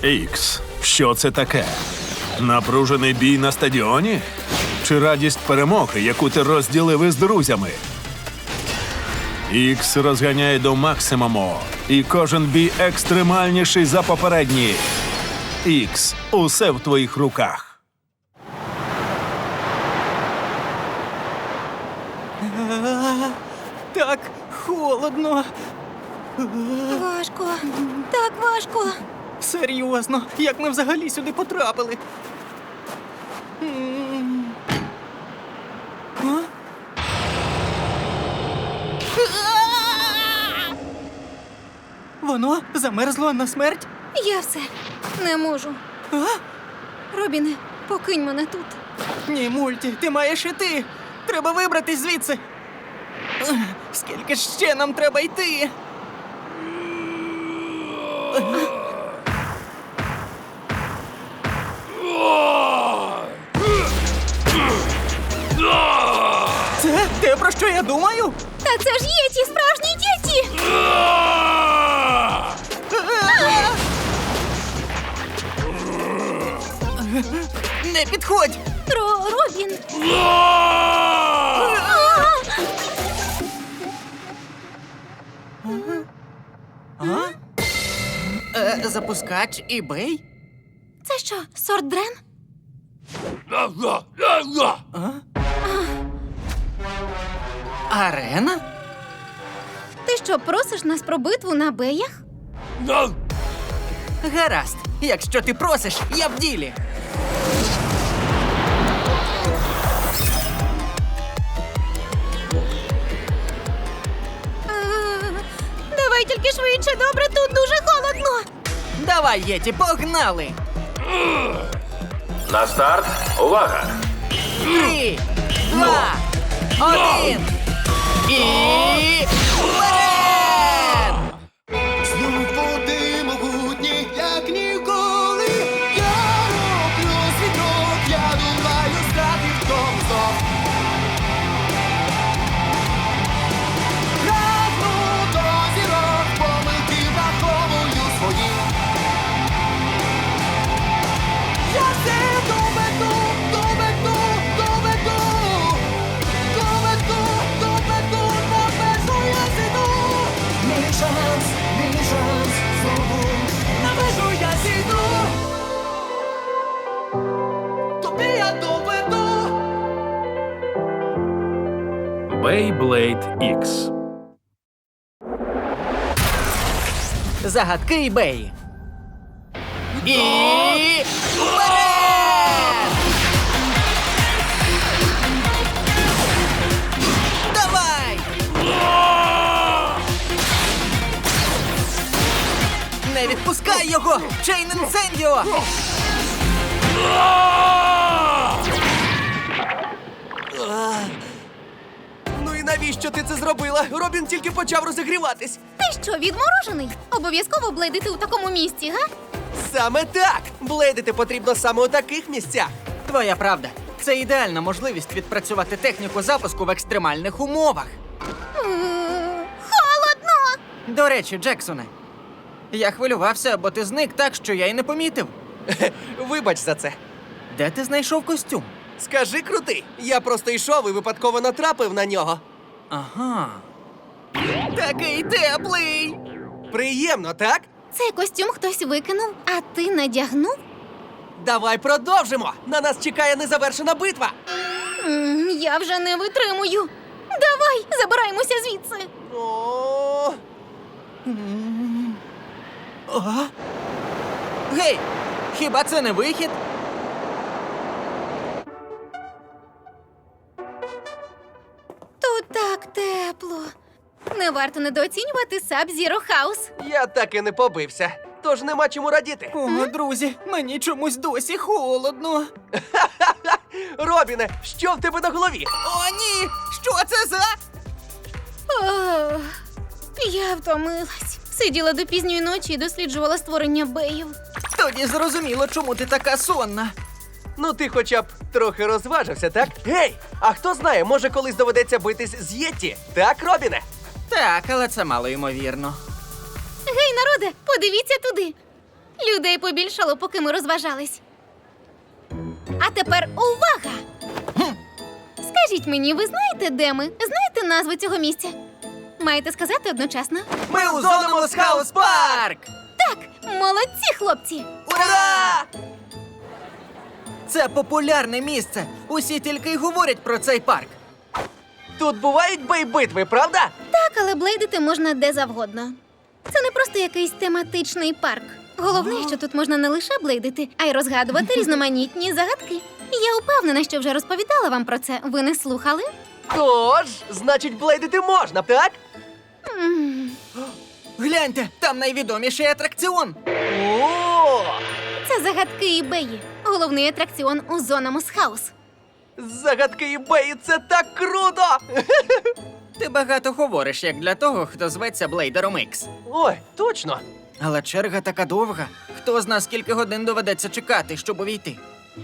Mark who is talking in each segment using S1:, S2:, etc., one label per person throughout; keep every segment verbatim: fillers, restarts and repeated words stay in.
S1: Ікс, що це таке? Напружений бій на стадіоні? Чи радість перемоги, яку ти розділив із друзями? Ікс розганяє до максимуму, і кожен бій екстремальніший за попередній. Ікс, усе в твоїх руках.
S2: Так холодно.
S3: Важко. Так важко.
S2: Серйозно, як ми взагалі сюди потрапили? М. А? Воно замерзло на смерть?
S3: Я все. Не можу.
S2: А?
S3: Робіне, покинь мене тут.
S2: Ні, Мульті, ти маєш іти. Треба вибратись звідси. Ех, Скільки ж ще нам треба йти? Це те, про що я думаю?
S3: Та це ж є ті справжні діти!
S2: Не підходь!
S3: Ро, Робін!
S2: А? Е, запускач eBay?
S3: Це що, сорт Дрен?
S2: Арена?
S3: Ти що, просиш нас про битву на беях?
S2: Гаразд. Якщо ти просиш, я в ділі.
S3: Е, Давай тільки швидше, добре, тут дуже холодно.
S2: Давай, Єті, погнали!
S4: На старт. Увага!
S2: Три, два, один. І... вперед!
S5: Знов води могутні, як ніколи. Я роблю світок, я долаю страти в тому знов. Прагну до зірок, помилки враховую свої. Я все доведу, доведу, доведу. Доведу, доведу, на межу я зійду. Мій шанс, мій шанс, знову на межу я зійду. Тобі я доведу.
S1: Beyblade Ікс.
S2: Загадки eBay. І... вперед! Давай! Не відпускай його! Чейн інсендіо! Ну і навіщо ти це зробила? Робін тільки почав розігріватись.
S3: Ти що, відморожений? Обов'язково блейдити у такому місці, га?
S6: Саме так! Блейдити потрібно саме у таких місцях.
S2: Твоя правда. Це ідеальна можливість відпрацювати техніку запуску в екстремальних умовах.
S3: М, Холодно!
S2: До речі, Джексоне, я хвилювався, бо ти зник так, що я й не помітив.
S6: Вибач за це.
S2: Де ти знайшов костюм?
S6: Скажи крутий. Я просто йшов і випадково натрапив на нього.
S2: Ага. Такий теплий.
S6: Приємно, так?
S3: Цей костюм хтось викинув, а ти надягнув?
S6: Давай продовжимо. На нас чекає незавершена битва.
S3: М, Я вже не витримую. Давай, забираємося звідси.
S6: О,
S2: Ага. Гей, хіба це не вихід?
S3: Тут так тепло. Не варто недооцінювати Sub-Zero House.
S6: я так і не побився. Тож нема чому радіти.
S2: О, друзі, мені чомусь досі холодно.
S6: Робіне, що в тебе на голові?
S2: О, ні! Що це за?
S3: Ох, я втомилась. Сиділа до пізньої ночі і досліджувала створення беїв.
S2: Тоді зрозуміло, чому ти така сонна.
S6: Ну ти хоча б трохи розважився, так? Гей, а хто знає, може колись доведеться битись з Єтті? Так, Робіне?
S2: Так, але це мало ймовірно.
S3: Гей, народе, подивіться туди. Людей побільшало, поки ми розважались. А тепер увага! Скажіть мені, ви знаєте, де ми? Знаєте назву цього місця? Маєте сказати одночасно?
S2: Ми у Зономус Хаус Парк!
S3: Так, молодці, хлопці!
S2: Ура! Це популярне місце. Усі тільки й говорять про цей парк.
S6: Тут бувають бей-битви, правда?
S3: Так, але блейдити можна де завгодно. Це не просто якийсь тематичний парк. Головне, що тут можна не лише блейдити, а й розгадувати різноманітні загадки. Я упевнена, що вже розповідала вам про це. Ви не слухали?
S6: Тож, значить, блейдити можна, так?
S3: М,
S2: Гляньте, там найвідоміший атракціон.
S6: О!
S3: Це загадки ібеї. Головний атракціон у Зономус Хаус.
S6: Загадки ібеї — це так круто!
S2: Ти багато говориш, як для того, хто зветься Блейдером Ікс.
S6: Ой, точно.
S2: Але черга така довга. Хто зна, скільки годин доведеться чекати, щоб увійти?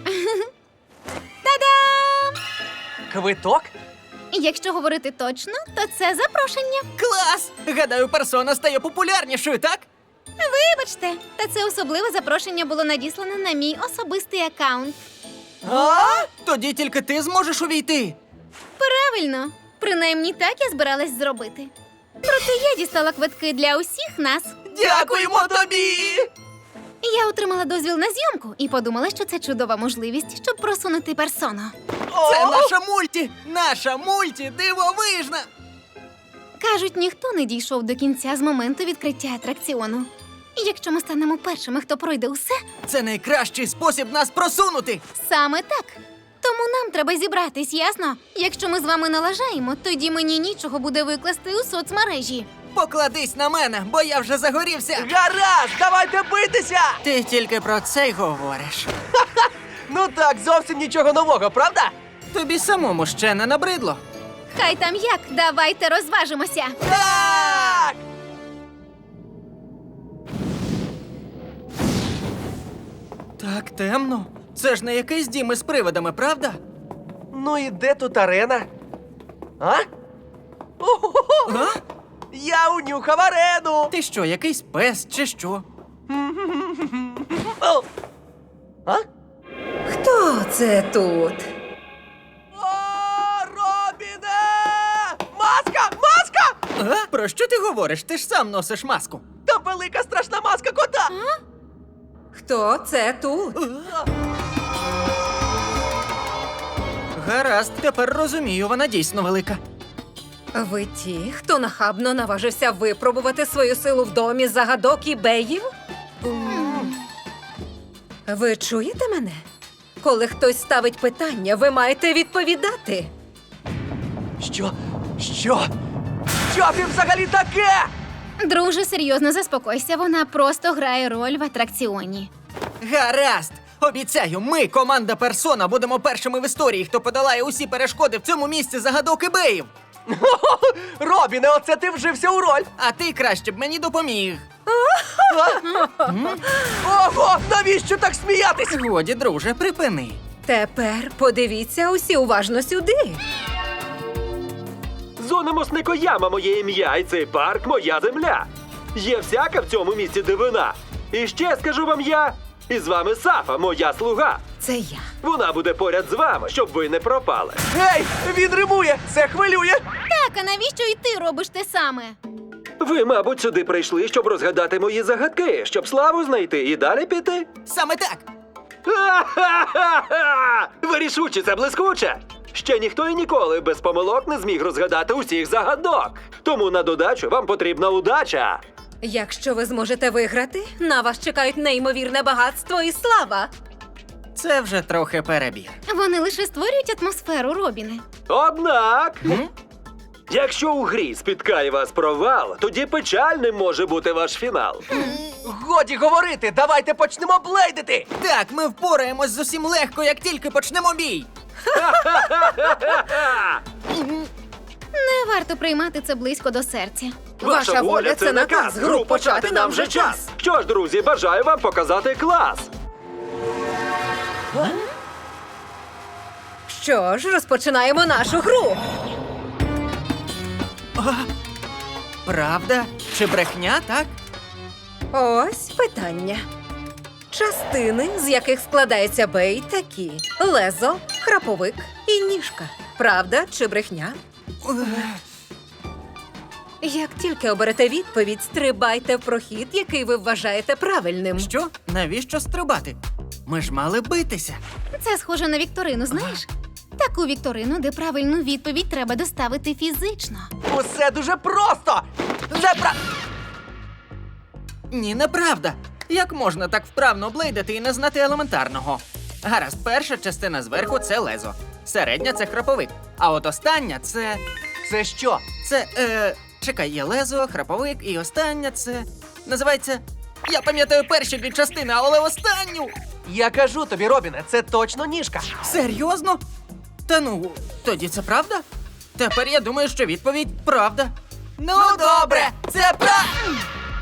S3: Та-дам!
S6: Квиток?
S3: Якщо говорити точно, то це запрошення.
S2: Клас! Гадаю, персона стає популярнішою, так?
S3: Вибачте, та це особливе запрошення було надіслане на мій особистий аккаунт.
S2: А? Тоді тільки ти зможеш увійти.
S3: Правильно, принаймні так я збиралась зробити. Проте я дістала квитки для усіх нас.
S2: Дякуємо тобі!
S3: Я отримала дозвіл на зйомку і подумала, що це чудова можливість, щоб просунути персону.
S2: Це
S6: О!
S2: наша мульті! Наша мульті дивовижна!
S3: Кажуть, ніхто не дійшов до кінця з моменту відкриття атракціону. І якщо ми станемо першими, хто пройде усе,
S2: Це найкращий спосіб нас просунути!
S3: саме так. Тому нам треба зібратись, ясно? Якщо ми з вами налажаємо, тоді мені нічого буде викласти у соцмережі.
S2: Покладись на мене, бо я вже загорівся!
S6: Гаразд, давайте битися!
S2: Ти тільки про це й говориш.
S6: Ну так, зовсім нічого нового, правда?
S2: Тобі самому ще не набридло.
S3: Хай там як, давайте розважимося.
S6: Так!
S2: Так темно. Це ж не якийсь дім із привидами, правда?
S6: Ну і де тут арена? А? О-хо-хо!
S2: А?
S6: Я унюхав арену!
S2: Ти що, якийсь пес чи що?
S6: О! А?
S4: Хто це тут?
S6: О, Робіне! Маска! Маска!
S2: А? Про що ти говориш? Ти ж сам носиш маску.
S6: Та велика страшна маска кота!
S4: Хто це тут?
S2: Гаразд, тепер розумію, вона дійсно велика.
S4: Ви ті, хто нахабно наважився випробувати свою силу в домі загадок і беїв? Ви чуєте мене? Коли хтось ставить питання, ви маєте відповідати.
S6: Що? Що? Що ти взагалі таке?
S3: Друже, серйозно заспокойся, вона просто грає роль в атракціоні.
S2: Гаразд! Обіцяю, ми, команда Персона, будемо першими в історії, хто подолає усі перешкоди в цьому місці загадок ібеїв.
S6: Робіне, оце ти вжився у роль!
S2: А ти краще б мені допоміг.
S6: Ого, навіщо так сміятись?
S2: Годі, друже, припини.
S4: Тепер подивіться усі уважно сюди.
S7: Зономус Никояма моє ім'я, і цей парк моя земля. Є всяка в цьому місці дивина. І ще скажу вам я, і з вами Сафа, моя слуга.
S4: Це я.
S7: Вона буде поряд з вами, щоб ви не пропали.
S6: Гей, він римує! Це хвилює!
S3: Так, а навіщо і ти робиш те саме?
S7: Ви, мабуть, сюди прийшли, щоб розгадати мої загадки, щоб славу знайти і далі піти.
S2: Саме так.
S7: Ха-ха-ха-ха! Ви рішучі, це блискуче! Ще ніхто і ніколи без помилок не зміг розгадати усіх загадок. Тому на додачу вам потрібна удача.
S4: Якщо ви зможете виграти, на вас чекають неймовірне багатство і слава.
S2: Це вже трохи перебір.
S3: Вони лише створюють атмосферу, Робіне.
S7: Однак,
S2: М?
S7: якщо у грі спіткає вас провал, тоді печальним може бути ваш фінал.
S6: Годі говорити, давайте почнемо блейдити!
S2: Так, ми впораємось з усім легко, як тільки почнемо бій.
S3: Не варто приймати це близько до серця.
S4: Ваша воля – це наказ. Гру почати нам вже час.
S7: Що ж, друзі, бажаю вам показати клас.
S4: Що ж, розпочинаємо нашу гру.
S2: Правда? Чи брехня, так?
S4: Ось питання. Частини, з яких складається бей, такі: лезо, храповик і ніжка. Правда чи брехня? Як тільки оберете відповідь, стрибайте в прохід, який ви вважаєте правильним.
S2: Що? Навіщо стрибати? Ми ж мали битися.
S3: Це схоже на вікторину, знаєш? Таку вікторину, де правильну відповідь треба доставити фізично.
S6: Усе дуже просто! Непра...
S2: Ні, неправда. Як можна так вправно блейдити і не знати елементарного? Гаразд, перша частина зверху це лезо. Середня це храповик. А от остання це.
S6: Це що?
S2: Це. Е... Чекай, є лезо, храповик і остання це. Називається. Я пам'ятаю перші дві частини, але останню.
S6: Я кажу тобі, Робіне, це точно ніжка.
S2: Серйозно? Та ну, тоді це правда? Тепер я думаю, що відповідь правда. Ну, добре, це правда.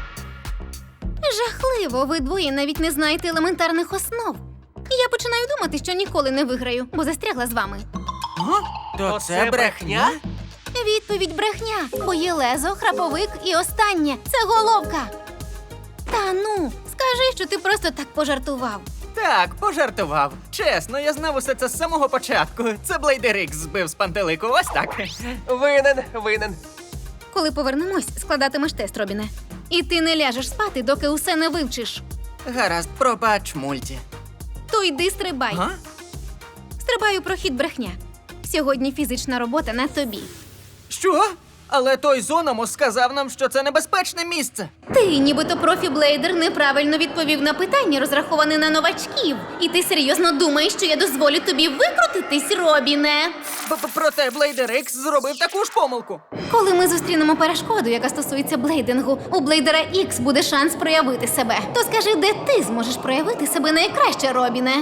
S3: Жахливо, ви двоє навіть не знаєте елементарних основ. Я починаю думати, що ніколи не виграю, бо застрягла з вами.
S2: То
S6: То
S2: це
S6: це
S2: брехня?
S6: брехня?
S3: Відповідь брехня, бо є лезо, храповик і останнє це головка. Та ну, скажи, що ти просто так пожартував.
S2: Так, пожартував. Чесно, я знав усе це з самого початку. Це Блейдер Ікс збив з пантелику, ось так.
S6: Винен, винен.
S3: Коли повернемось, складатимеш тест, Робіне. І ти не ляжеш спати, доки усе не вивчиш.
S2: Гаразд, пробач, мульті.
S3: То йди стрибай.
S2: Га?
S3: Стрибаю прохід брехня. Сьогодні фізична робота на тобі.
S2: Що? Але той Зономос сказав нам, що це небезпечне місце.
S3: Ти, нібито профі-блейдер, неправильно відповів на питання, розраховане на новачків. І ти серйозно думаєш, що я дозволю тобі викрутитись, Робіне?
S2: Б- Проте Блейдер Ікс зробив таку ж помилку.
S3: Коли ми зустрінемо перешкоду, яка стосується блейдингу, у Блейдера Ікс буде шанс проявити себе. То скажи, де ти зможеш проявити себе найкраще, Робіне?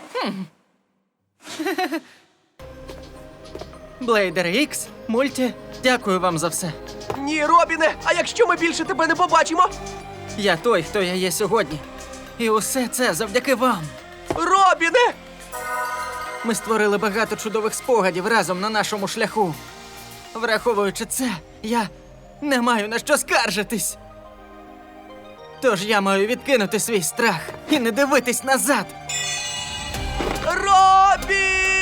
S2: Блейдер Ікс, мульті, дякую вам за все.
S6: Ні, Робіне, а якщо ми більше тебе не побачимо?
S2: Я той, хто я є сьогодні. І усе це завдяки вам.
S6: Робіне!
S2: Ми створили багато чудових спогадів разом на нашому шляху. Враховуючи це, я не маю на що скаржитись. Тож я маю відкинути свій страх і не дивитись назад.
S6: Робін!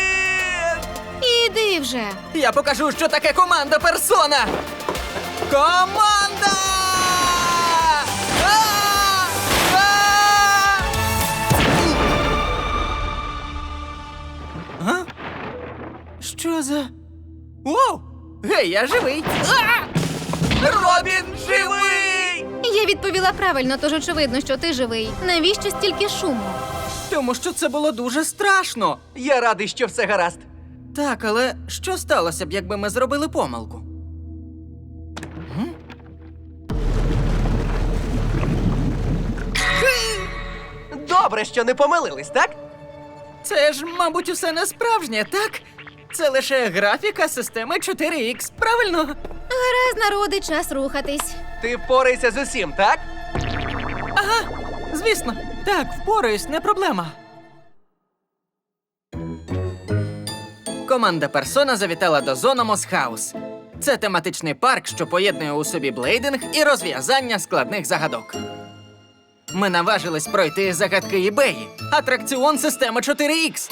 S3: Іди вже.
S2: Я покажу, що таке команда персона. Команда! А! А! А? Що за. Воу! Гей, я живий! А!
S6: Робін живий!
S3: Я відповіла правильно, тож очевидно, що ти живий. Навіщо стільки шуму?
S2: Тому що це було дуже страшно.
S6: Я радий, що все гаразд.
S2: Так, але що сталося б, якби ми зробили помилку?
S6: Добре, що не помилились, так?
S2: Це ж, мабуть, усе не справжнє, так? Це лише графіка системи чотири ікс, правильно?
S3: Гаразд, народи, час рухатись.
S6: Ти впорайся з усім, так?
S2: Ага, звісно. Так, впораюсь, не проблема. Команда Персона завітала до Зономос Хаус. Це тематичний парк, що поєднує у собі блейдинг і розв'язання складних загадок. Ми наважились пройти загадки eBay, атракціон системи чотири ікс.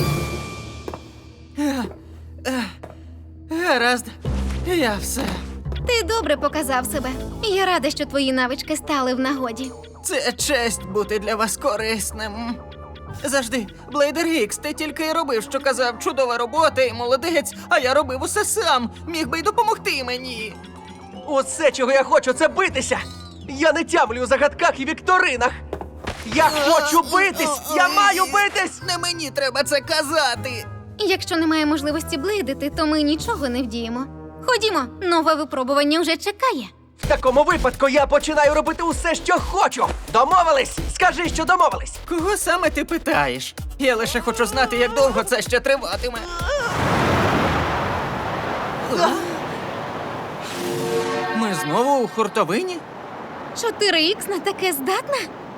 S2: Е, е, Гаразд, я все.
S3: Ти добре показав себе. Я рада, що твої навички стали в нагоді.
S2: Це честь бути для вас корисним. Завжди, Блейдер Ікс, ти тільки й робив, що казав, чудова робота і молодець, а я робив усе сам. Міг би й допомогти мені.
S6: Усе, чого я хочу, це битися! Я не тямлю у загадках і вікторинах! Я хочу битись! Я маю битись!
S2: Не мені треба це казати.
S3: Якщо немає можливості блейдити, то ми нічого не вдіємо. Ходімо, нове випробування вже чекає.
S6: В такому випадку я починаю робити усе, що хочу! Домовились? Скажи, що домовились!
S2: Кого саме ти питаєш? Я лише хочу знати, як довго це ще триватиме. Ми знову у хуртовині?
S3: чотири ікс на таке здатна?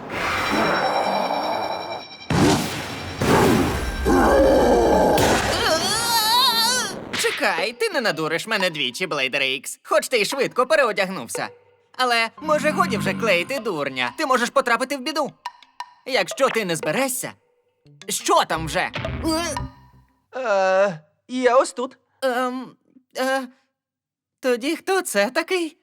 S2: Чекай, ти не надуриш мене двічі, Блейдер Ікс. Хоч ти й швидко переодягнувся. Але, може, годі вже клеїти дурня. Ти можеш потрапити в біду. Якщо ти не зберешся, що там вже?
S6: Е, я ось тут.
S2: Ем, е, тоді хто це такий?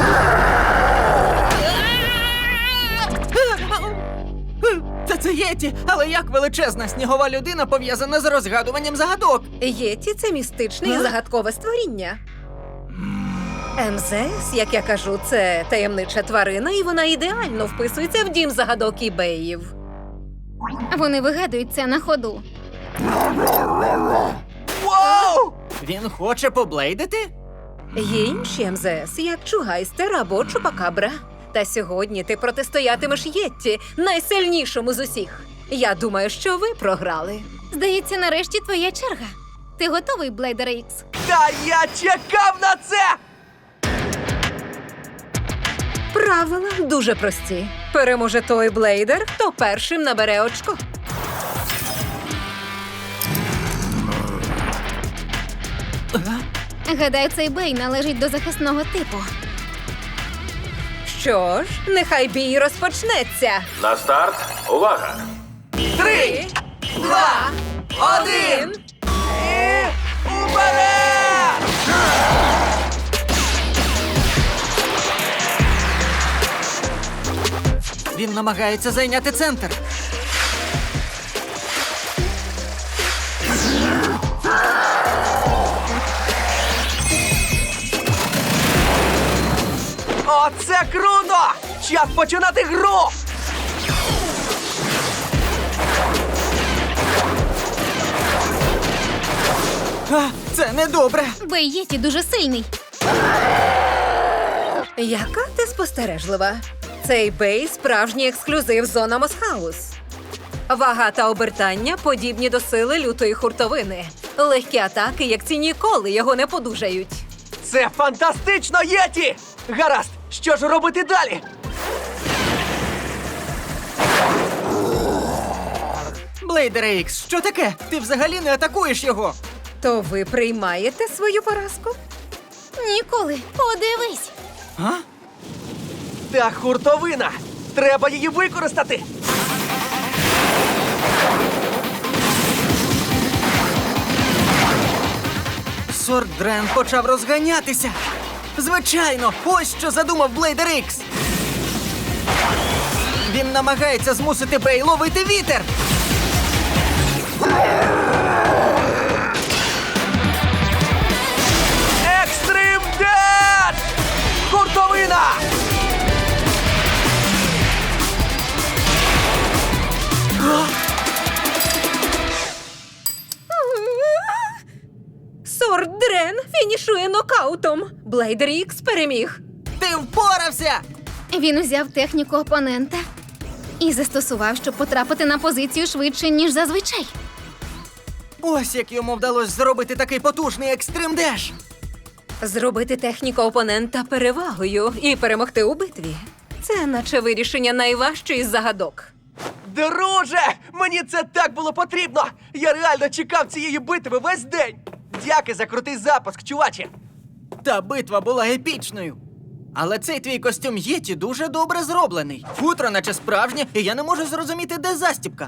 S2: Та це Єті, але як величезна снігова людина пов'язана з розгадуванням загадок?
S4: Єті – це містичне і загадкове створіння. ем зет ес, як я кажу, це таємнича тварина, і вона ідеально вписується в дім загадок ібеїв.
S3: Вони вигадують це на ходу.
S6: Вау!
S2: Він хоче поблейдити?
S4: Є інші ем зет ес, як Чугайстер або Чупакабра. Та сьогодні ти протистоятимеш Єтті, найсильнішому з усіх. Я думаю, що ви програли.
S3: Здається, нарешті твоя черга. Ти готовий, Блейдере Ікс?
S6: Та я чекав на це!
S4: Правила дуже прості. Переможе той блейдер, хто першим набере очко.
S3: Гадаю, цей бей належить до захисного типу.
S4: Що ж, нехай бій розпочнеться.
S7: На старт, увага!
S6: Три, два, один! І уперед!
S2: Він намагається зайняти центр.
S6: Оце круто! Час починати гру!
S2: А, це недобре.
S3: Бей Єті дуже сильний.
S4: Яка ти спостережлива? Цей бей – справжній ексклюзив зона Мосхаус. Вага та обертання подібні до сили лютої хуртовини. Легкі атаки, як ці ніколи його не подужають.
S6: Це фантастично, Єті! Гаразд, що ж робити далі?
S2: Блейдере Ікс, що таке? Ти взагалі не атакуєш його.
S4: То ви приймаєте свою поразку?
S3: Ніколи. Подивись.
S2: А?
S6: Та хуртовина! Треба її використати!
S2: Сорт-Дрен почав розганятися. Звичайно, ось що задумав Блейдер Ікс. Він намагається змусити Бей ловити вітер.
S6: Екстрим Деш! Хуртовина!
S4: Сорт Дрен фінішує нокаутом. Блейдер Ікс переміг.
S2: Ти впорався!
S3: Він узяв техніку опонента і застосував, щоб потрапити на позицію швидше, ніж зазвичай.
S2: Ось як йому вдалося зробити такий потужний екстрим деш.
S4: Зробити техніку опонента перевагою і перемогти у битві. Це наче вирішення найважчої з загадок.
S6: Друже! Мені це так було потрібно! Я реально чекав цієї битви весь день! Дяки за крутий запуск, чуваче!
S2: Та битва була епічною. Але цей твій костюм Єті дуже добре зроблений. Футро наче справжнє, і я не можу зрозуміти, де застібка.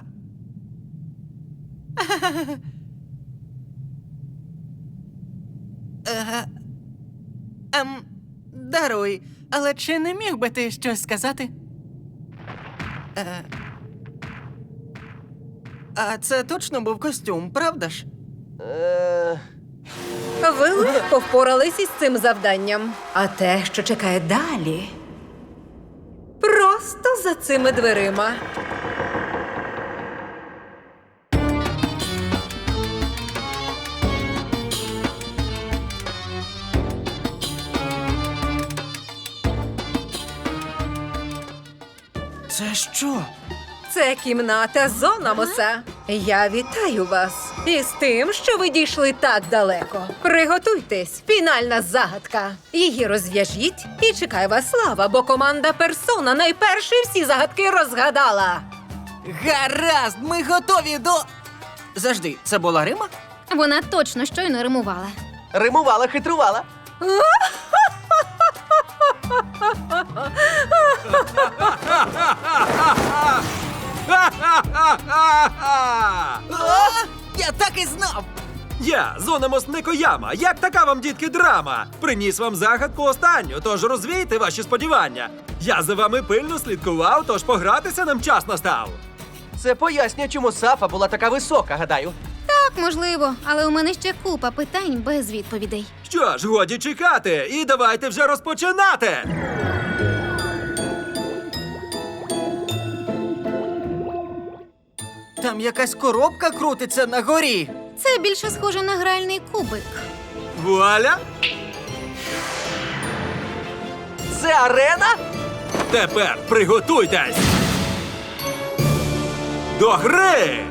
S2: Е, Ем, даруй, але чи не міг би ти щось сказати? Е, а це точно був костюм, правда ж?
S6: Е...
S4: Ви легко впорались із цим завданням. А те, що чекає далі, просто за цими дверима.
S2: Це що?
S4: Це кімната Зономоса. Я вітаю вас із тим, що ви дійшли так далеко. Приготуйтесь, фінальна загадка. Її розв'яжіть і чекай вас слава, бо команда Персона найперше всі загадки розгадала.
S2: Гаразд, ми готові до. Завжди, це була Рима?
S3: Вона точно щойно римувала.
S6: Римувала, хитрувала.
S2: Я так і знав!
S7: Я, Зономос Некояма. Як така вам, дітки, драма? Приніс вам загадку останню, тож розвійте ваші сподівання. Я за вами пильно слідкував, тож погратися нам час настав.
S6: Це пояснює, чому Сафа була така висока, гадаю.
S3: Так, можливо, але у мене ще купа питань без відповідей.
S7: Що ж, годі чекати, і давайте вже розпочинати!
S2: Там якась коробка крутиться на горі.
S3: Це більше схоже на гральний кубик.
S7: Вуаля!
S6: Це арена?
S7: Тепер приготуйтесь! До гри!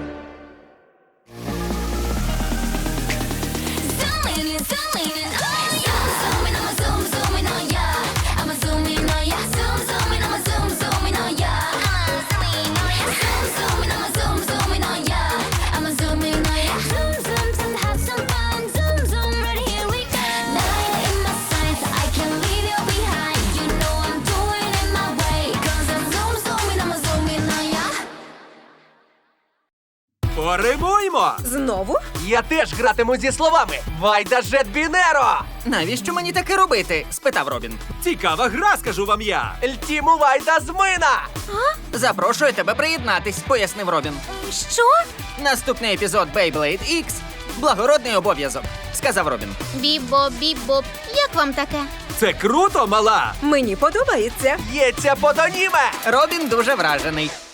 S8: Zooming in, zooming in, oh yeah. Zooming, I'ma zoom, zooming, oh yeah. I'ma zoom in, oh yeah. Zoom, zooming, I'ma zoom, zooming, oh yeah. I'ma zoom in, oh yeah. Zoom, zooming, I'ma zoom, zooming, oh yeah. I'ma zoom in, oh yeah. Zoom, zoom, zoom, have some fun. Zoom, zoom, right here we go. Nine in my sights, I can't leave you behind. You know I'm doing it my way. 'Cause I'm zoom, zooming, I'ma zoom in, oh yeah.
S7: Поримуймо!
S4: Знову?
S6: Я теж гратиму зі словами. Вайда Жет Бінеро!
S2: Навіщо мені таке робити? Спитав Робін.
S7: Цікава гра, скажу вам я!
S6: Льтіму Вайда Змина!
S2: Запрошую тебе приєднатись, пояснив Робін.
S3: Що?
S2: Наступний епізод Beyblade Ікс – благородний обов'язок, сказав Робін.
S3: Бібо, бібоп, як вам таке?
S7: Це круто, мала!
S4: Мені подобається.
S6: Є ця подоніме!
S2: Робін дуже вражений.